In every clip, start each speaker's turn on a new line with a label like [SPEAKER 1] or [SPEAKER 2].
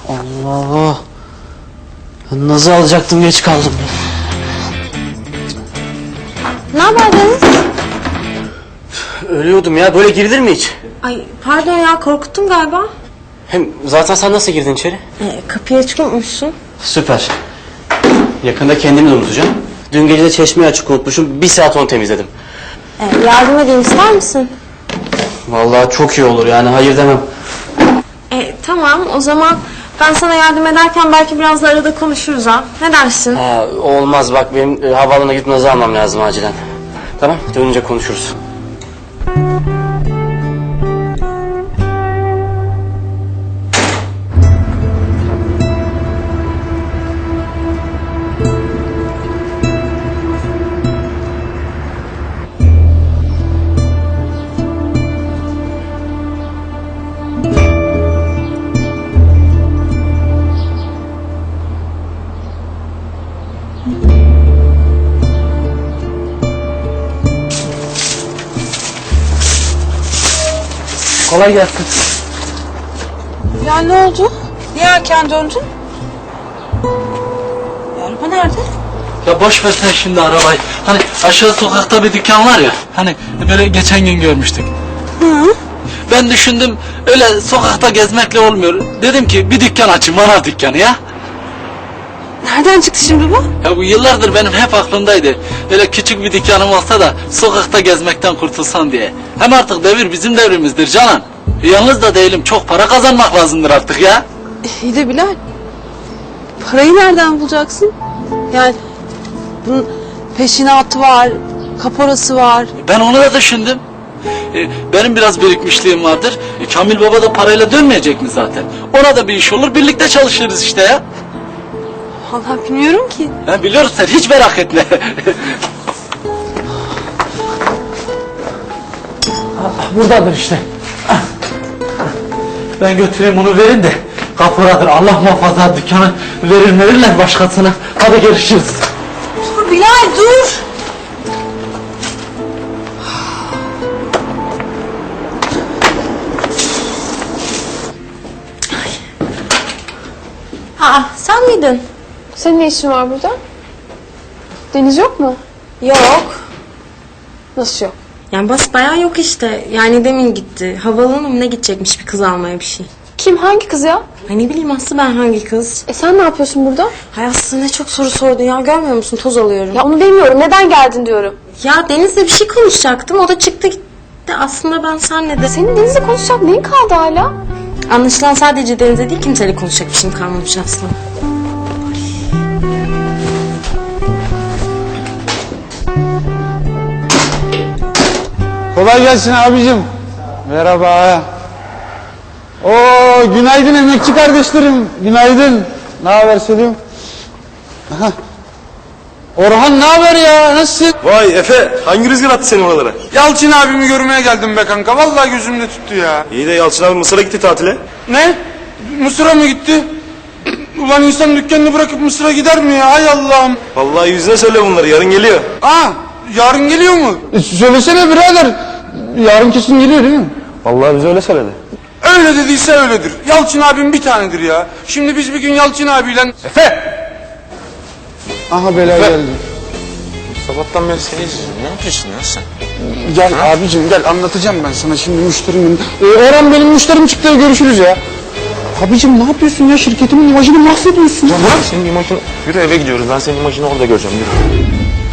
[SPEAKER 1] Allah! Ben Naz'ı alacaktım, geç kaldım.
[SPEAKER 2] Ne haber Deniz?
[SPEAKER 1] Ölüyordum ya, böyle girilir mi hiç?
[SPEAKER 2] Ay pardon ya, korkuttun galiba.
[SPEAKER 1] Hem zaten sen nasıl girdin içeri?
[SPEAKER 2] Kapıyı açık unutmuşsun.
[SPEAKER 1] Süper. Yakında kendimi de unutacağım. Dün gece de çeşmeyi açık unutmuşum, 1 saat onu temizledim.
[SPEAKER 2] Yardım edeyim, ister misin?
[SPEAKER 1] Vallahi çok iyi olur yani, hayır demem.
[SPEAKER 2] Tamam, o zaman ben sana yardım ederken belki biraz da arada konuşuruz ha. Ne dersin?
[SPEAKER 1] Olmaz, bak benim havaalanına gidip Naz'ı almam lazım acilen. Tamam, dönünce konuşuruz. Kolay gelsin.
[SPEAKER 3] Ya ne oldu? Niye erken döndün? Araba nerede?
[SPEAKER 4] Ya boş ver sen şimdi arabayı. Hani aşağı sokakta bir dükkan var ya. Hani böyle geçen gün görmüştük.
[SPEAKER 3] Hı?
[SPEAKER 4] Ben düşündüm öyle sokakta gezmekle olmuyor. Dedim ki bir dükkan açayım, manav dükkanı ya.
[SPEAKER 3] Nereden çıktı şimdi bu?
[SPEAKER 4] Ya bu yıllardır benim hep aklımdaydı. Öyle küçük bir dükkanım olsa da sokakta gezmekten kurtulsam diye. Hem artık devir bizim devrimizdir Canan. Yalnız da değilim, çok para kazanmak lazımdır artık ya.
[SPEAKER 3] İyi de Bilal. Parayı nereden bulacaksın? Yani bunun peşinatı var, kaporası var.
[SPEAKER 4] Ben onu da düşündüm. Benim biraz birikmişliğim vardır. Kamil Baba da parayla dönmeyecek mi zaten? Ona da bir iş olur, birlikte çalışırız işte ya.
[SPEAKER 3] Vallahi bilmiyorum ki.
[SPEAKER 4] Biliyoruz, sen hiç merak etme. Buradadır işte. Ben götüreyim onu, verin de kapıradır. Allah muhafaza, dükkanı verirler başkasına. Hadi görüşürüz.
[SPEAKER 3] Dur Bilal, dur.
[SPEAKER 2] Sen miydin?
[SPEAKER 5] Senin ne işin var burada? Deniz yok mu?
[SPEAKER 2] Yok.
[SPEAKER 5] Nasıl yok?
[SPEAKER 2] Yani basbayağı yok işte. Yani demin gitti. Havaalanına mı ne gidecekmiş bir kız almaya bir şey.
[SPEAKER 5] Kim, hangi kız ya?
[SPEAKER 2] Ay ne bileyim Aslı, ben hangi kız?
[SPEAKER 5] Sen ne yapıyorsun burada?
[SPEAKER 2] Hay Aslı, ne çok soru sordun ya, görmüyor musun, toz alıyorum.
[SPEAKER 5] Ya onu bilmiyorum, neden geldin diyorum.
[SPEAKER 2] Ya Deniz'le bir şey konuşacaktım, o da çıktı gitti. Aslında ben senle de...
[SPEAKER 5] Senin Deniz'le konuşacak neyin kaldı hala?
[SPEAKER 2] Anlaşılan sadece Deniz'le değil, kimseyle konuşacak bir şeyim kalmamış Aslı.
[SPEAKER 6] Kolay gelsin abicim. Merhaba. Oo, günaydın emekçi kardeşlerim. Günaydın. Ne haber Selim? Aha. Orhan ne haber ya? Nasılsın?
[SPEAKER 7] Vay Efe, hangi rüzgar attı seni oralara?
[SPEAKER 6] Yalçın abimi görmeye geldim be kanka. Vallahi gözümde tuttu ya.
[SPEAKER 7] İyi de Yalçın abi Mısır'a gitti tatile.
[SPEAKER 6] Ne? Mısır'a mı gitti? Ulan insan dükkanını bırakıp Mısır'a gider mi ya? Hay Allah'ım.
[SPEAKER 7] Vallahi yüzüne söyle bunları, yarın geliyor.
[SPEAKER 6] Yarın geliyor mu? Söylesene birader. Yarın kesin geliyor değil mi?
[SPEAKER 7] Vallahi bize öyle söyledi.
[SPEAKER 6] Öyle dediyse öyledir. Yalçın abim bir tanedir ya. Şimdi biz bir gün Yalçın abiyle... Efe! Aha bela geldi.
[SPEAKER 8] Sabahtan beri seni izliyorum. Ne yapıyorsun ya sen?
[SPEAKER 6] Gel abicim gel, anlatacağım ben sana şimdi müşterimin. Orhan benim müşterim çıktı, görüşürüz ya. Abicim ne yapıyorsun ya, şirketimin imajını mahvediyorsun.
[SPEAKER 8] Ya bırak senin imajını. Yürü eve gidiyoruz. Ben senin imajını orada göreceğim. Yürü.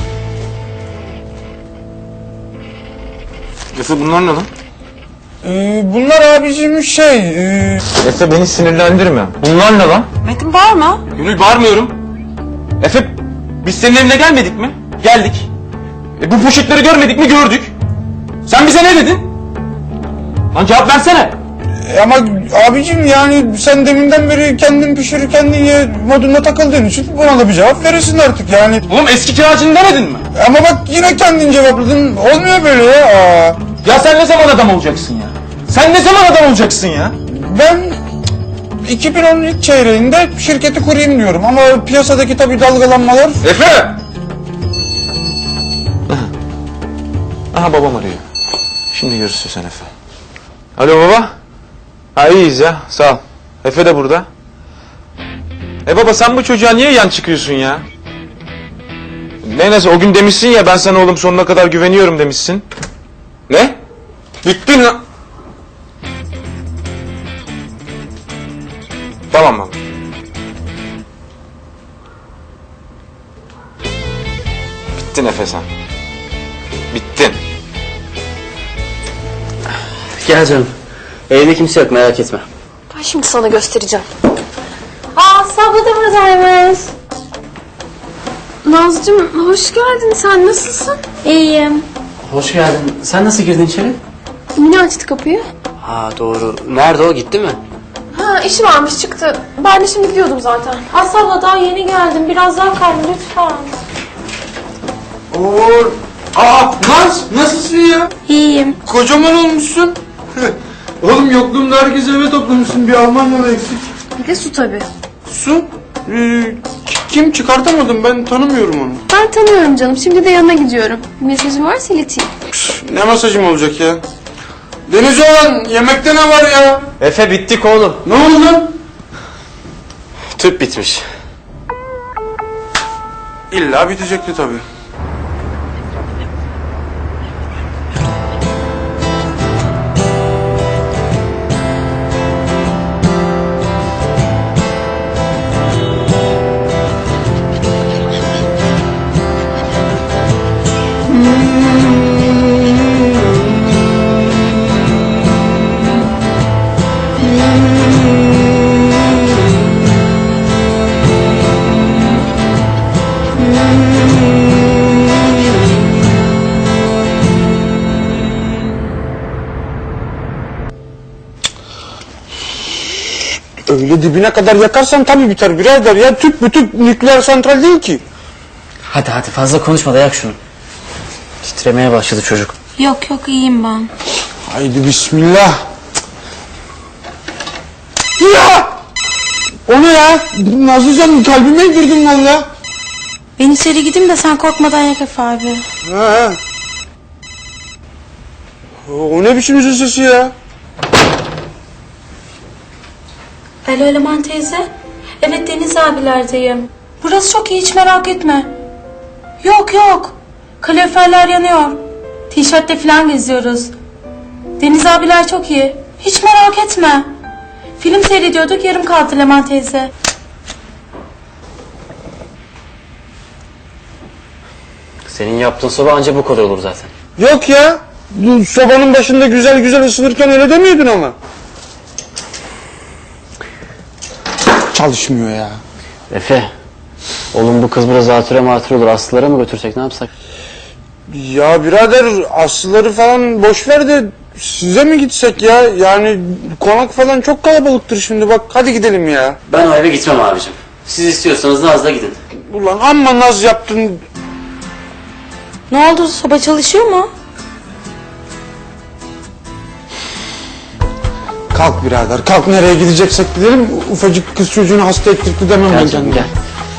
[SPEAKER 8] Efe bunlar ne lan?
[SPEAKER 6] Bunlar abicim
[SPEAKER 8] Efe beni sinirlendirme. Bunlar ne lan?
[SPEAKER 3] Metin bağırma.
[SPEAKER 8] Gönül bağırmıyorum. Efe biz senin evine gelmedik mi? Geldik. Bu poşetleri görmedik mi? Gördük. Sen bize ne dedin? Lan cevap versene.
[SPEAKER 6] Ama abicim yani sen deminden beri kendin pişir kendin ye moduna takıldığın için buna da bir cevap verirsin artık yani.
[SPEAKER 8] Oğlum eski kiracını demedin mi?
[SPEAKER 6] Ama bak yine kendin cevapladın, olmuyor böyle ya.
[SPEAKER 8] Ya sen ne zaman adam olacaksın ya? Sen ne zaman adam olacaksın ya?
[SPEAKER 6] Ben 2010 ilk çeyreğinde şirketi kurayım diyorum ama piyasadaki tabii dalgalanmalar...
[SPEAKER 8] Efe! Aha babam arıyor. Şimdi görüşürüz Efe. Alo baba. Ha iyiyiz ya, sağ ol. Efe de burada. Baba sen bu çocuğa niye yan çıkıyorsun ya? Neyse o gün demişsin ya ben sana oğlum sonuna kadar güveniyorum demişsin. Ne? Bittin lan. Tamam baba. Bittin Efe sen. Bittin.
[SPEAKER 1] Gel canım. Evde kimse yok, merak etme.
[SPEAKER 5] Ben şimdi sana göstereceğim.
[SPEAKER 2] Aa, Sabla da buradaymış.
[SPEAKER 5] Nazcığım hoş geldin. Sen nasılsın?
[SPEAKER 2] İyiyim.
[SPEAKER 1] Hoş geldin. Sen nasıl girdin içeri?
[SPEAKER 5] Mine açtı kapıyı.
[SPEAKER 1] Ha doğru. Nerede o, gitti mi?
[SPEAKER 5] Ha işi varmış çıktı. Ben de şimdi gidiyordum zaten.
[SPEAKER 2] Asabla daha yeni geldim. Biraz daha kal lütfen.
[SPEAKER 6] Oo. Aa Naz nasılsın ya?
[SPEAKER 2] İyiyim.
[SPEAKER 6] Kocaman olmuşsun. Oğlum yokluğumda herkes eve toplamışsın. Bir Almanyalı eksik.
[SPEAKER 5] Bir de su tabii.
[SPEAKER 6] Su? Kim çıkartamadım ben tanımıyorum onu.
[SPEAKER 5] Ben tanıyorum canım. Şimdi de yanına gidiyorum. Bir mesajım varsa ileteyim.
[SPEAKER 6] Ne masajım olacak ya? Deniz olan yemekte ne var ya?
[SPEAKER 1] Efe bittik oğlum.
[SPEAKER 6] Ne oldu lan?
[SPEAKER 1] Tüp bitmiş.
[SPEAKER 6] İlla bitecekti tabii. Öyle dibine kadar yakarsan tabii biter birader ya. Tüp bu tüp nükleer santral değil ki.
[SPEAKER 1] Hadi hadi fazla konuşma da yak şunu. Titremeye başladı çocuk.
[SPEAKER 2] Yok yok, iyiyim ben.
[SPEAKER 6] Haydi bismillah. Ya! O ne ya? Nazlıcan kalbime girdin valla.
[SPEAKER 2] Ben içeri gideyim de sen korkmadan yak Efe abi.
[SPEAKER 6] Ha. O ne biçim yüzün sesi ya?
[SPEAKER 2] Alo Eleman teyze. Evet Deniz abilerdeyim. Burası çok iyi, hiç merak etme. Yok yok. Kaloriferler yanıyor. Tişörtle falan geziyoruz. Deniz abiler çok iyi. Hiç merak etme. Film seyrediyorduk, yarım kaldı Eleman teyze.
[SPEAKER 1] Senin yaptığın soba anca bu kadar olur zaten.
[SPEAKER 6] Yok ya. Bu sobanın başında güzel güzel ısınırken öyle demiyordun ama. Çalışmıyor ya.
[SPEAKER 1] Efe. Oğlum bu kız biraz zatüre matüre olur. Aslılara mı götürsek, ne yapsak?
[SPEAKER 6] Ya birader aslıları falan boş ver de size mi gitsek ya? Yani konak falan çok kalabalıktır şimdi bak hadi gidelim ya.
[SPEAKER 1] Ben o eve gitmem abicim. Siz istiyorsanız Naz'la gidin.
[SPEAKER 6] Ulan amma naz yaptın.
[SPEAKER 2] Ne oldu, soba çalışıyor mu?
[SPEAKER 6] Kalk birader kalk nereye gideceksek gidelim. Ufacık kız çocuğunu hasta ettirdi demem ben
[SPEAKER 1] Gel canım
[SPEAKER 6] kendime.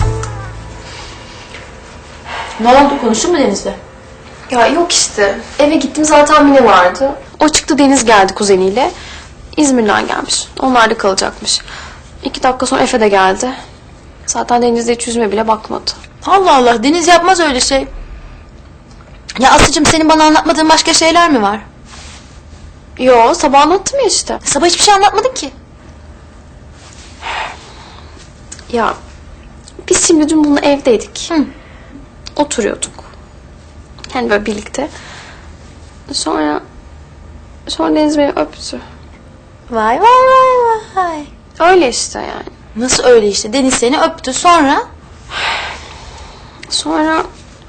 [SPEAKER 1] gel.
[SPEAKER 2] Ne oldu, konuştun mu Deniz'le?
[SPEAKER 5] Ya yok işte. Eve gittim zaten Mine vardı. O çıktı, Deniz geldi kuzeniyle. İzmir'den gelmiş. Onlar da kalacakmış. 2 dakika sonra Efe de geldi. Zaten Deniz'de hiç yüzüme bile bakmadı.
[SPEAKER 3] Allah Allah, Deniz yapmaz öyle şey. Ya Aslı'cığım, senin bana anlatmadığın başka şeyler mi var?
[SPEAKER 5] Yo, sabah anlattım ya işte.
[SPEAKER 3] Sabah hiçbir şey anlatmadın ki.
[SPEAKER 5] Ya biz şimdi dün bununla evdeydik. Oturuyorduk. Yani böyle birlikte. Sonra Deniz beni öptü.
[SPEAKER 3] Vay vay vay vay.
[SPEAKER 5] Öyle işte yani.
[SPEAKER 3] Nasıl öyle işte? Deniz seni öptü, sonra?
[SPEAKER 5] Sonra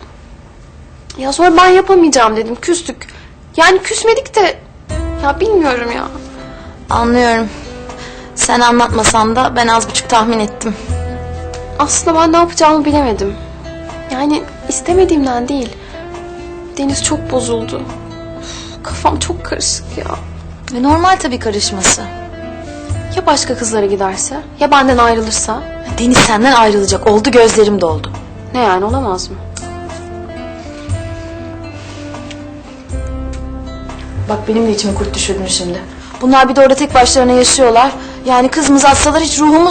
[SPEAKER 5] ben yapamayacağım dedim. Küstük. Yani küsmedik de ya bilmiyorum ya.
[SPEAKER 3] Anlıyorum. Sen anlatmasan da ben az buçuk tahmin ettim.
[SPEAKER 5] Aslında ben ne yapacağımı bilemedim. Yani istemediğimden değil. Deniz çok bozuldu. Of, kafam çok karışık ya.
[SPEAKER 3] Normal tabii karışması.
[SPEAKER 5] Ya başka kızlara giderse? Ya benden ayrılırsa?
[SPEAKER 3] Deniz senden ayrılacak. Oldu, gözlerim doldu.
[SPEAKER 5] Ne yani, olamaz mı?
[SPEAKER 3] Bak benim de içime kurt düşürdün şimdi. Bunlar bir de orada tek başlarına yaşıyorlar. Yani kızımızı atsalar hiç ruhumuz